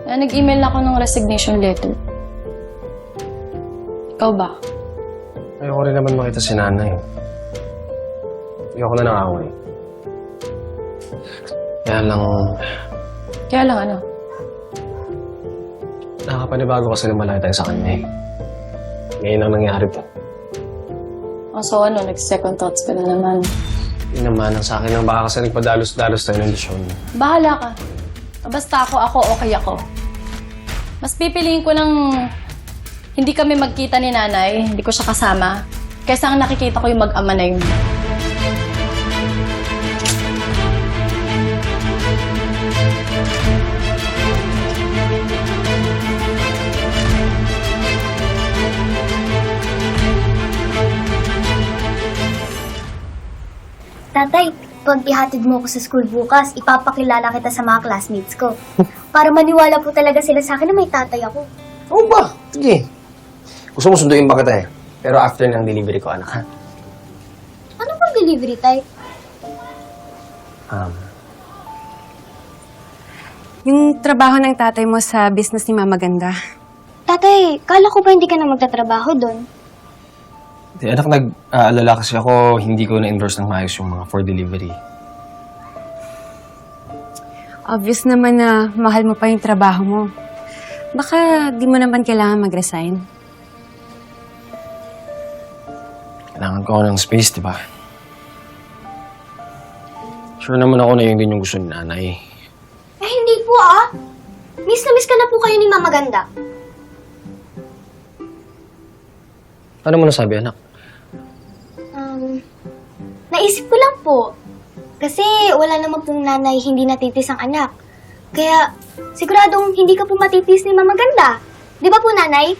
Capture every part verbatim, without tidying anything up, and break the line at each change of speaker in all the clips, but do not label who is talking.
Na nag-email ako ng resignation letter. Ikaw ba?
Ayoko rin naman makita si nanay. Ayoko na ng away. Kaya lang,
Kaya lang ano?
nakapanibago kasi na malaki tayo sa kanya eh. Ngayon ang nangyari to.
O so ano, nag-second thoughts ka na naman.
Hindi naman, ang sa akin lang baka kasi nagpadalos-dalos tayo ng desisyon.
Bahala ka. Basta ako, ako, okay ako. Mas pipiliin ko ng hindi kami magkita ni nanay, hindi ko siya kasama, kaysa ang nakikita ko yung mag-ama na yun.
Tatay, pag ihatid mo ako sa school bukas, ipapakilala kita sa mga classmates ko. Para maniwala po talaga sila sa akin na may tatay ako.
Oo ba? Sige. Gusto mo sunduin ba kita eh? Pero after ng delivery ko, anak ha?
Ano bang delivery, tay?
Um,
Yung trabaho ng tatay mo sa business ni Mama Ganda.
Tatay, kala ko ba hindi ka na magtatrabaho doon?
di, anak, nag-aalala kasi ako, hindi ko na-endorse ng maayos yung mga for delivery.
Obvious naman na mahal mo pa yung trabaho mo. Baka di mo naman kailangan mag-resign.
Kailangan ko ng space, di ba? Sure naman ako na yun din yung gusto ni nanay.
Eh, hindi po ah. Miss na miss ka na po kayo ni Mama Ganda.
Ano mo nasabi, anak?
Um, naisip ko lang po. Kasi wala naman pong nanay hindi natitis ang anak. Kaya siguradong hindi ka po matitis ni Mama Ganda. Di ba po, nanay?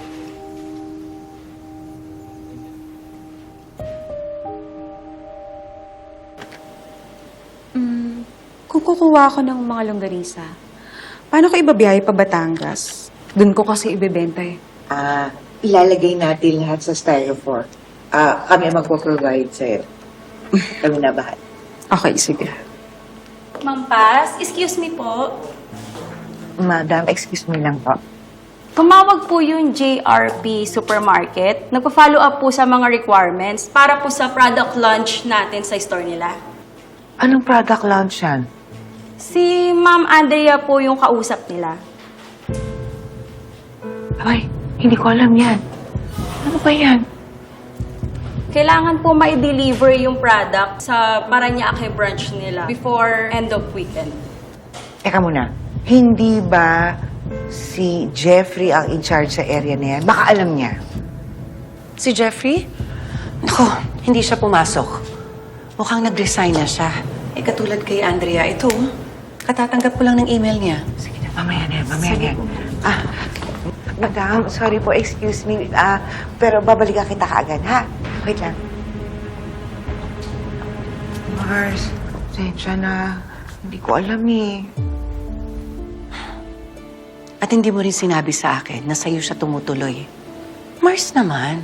Kung kukuha ako ng mga longganisa, paano ko ibabiyahe pa Batangas? Doon ko kasi ibebenta eh.
Ah, ilalagay natin lahat sa styrofoam. Ah, kami ang magpo-provide sa'yo. Kami na bahala.
Okay, sige.
Ma'am Paz, excuse me po.
Madam, excuse me lang po.
Tumawag po yung J R P Supermarket. Nagpa-follow up po sa mga requirements para po sa product launch natin sa store nila.
Anong product launch yan?
Si Ma'am Andrea po yung kausap nila.
Ay, hindi ko alam yan. Ano ba yan?
Kailangan po ma-deliver yung product sa Parañaque branch nila before end of weekend.
Teka muna, hindi ba si Jeffrey ang in charge sa area na yan? Baka alam niya.
Si Jeffrey? Naku, hindi siya pumasok. Mukhang nag-resign na siya. Eh, katulad kay Andrea, ito, katatanggap ko lang ng email niya.
Sige na, mamaya na yan, mamaya na yan. Ah, madam, sorry po, excuse me. Ah, pero babalikan kita kaagad, ha? Wait lang. Mars, sensya na. Hindi ko alam eh.
At hindi mo rin sinabi sa akin na sa'yo siya tumutuloy. Mars naman.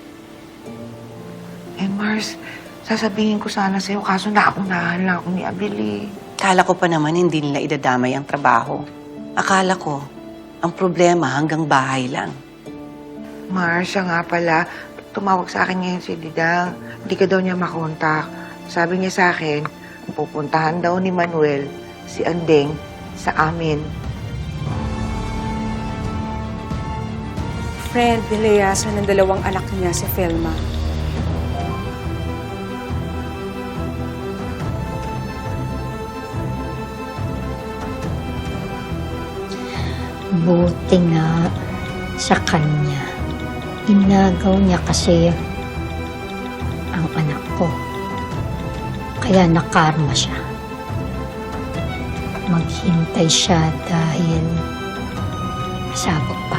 Eh, Mars, sasabihin ko sana sa'yo, kaso naunahan lang ako ni Abeli.
Kala ko pa naman hindi nila idadamay ang trabaho. Akala ko, ang problema hanggang bahay lang.
Mars, siya nga pala, tumawag sa akin ngayon si Didang. Hindi ka daw niya makontak. Sabi niya sa akin, pupuntahan daw ni Manuel si Andeng sa amin.
Friend nilayasan ng dalawang anak niya si Felma.
Buti nga sa kanya. Inagaw niya kasi ang anak ko. Kaya nakarma siya. Maghintay siya dahil masabog pa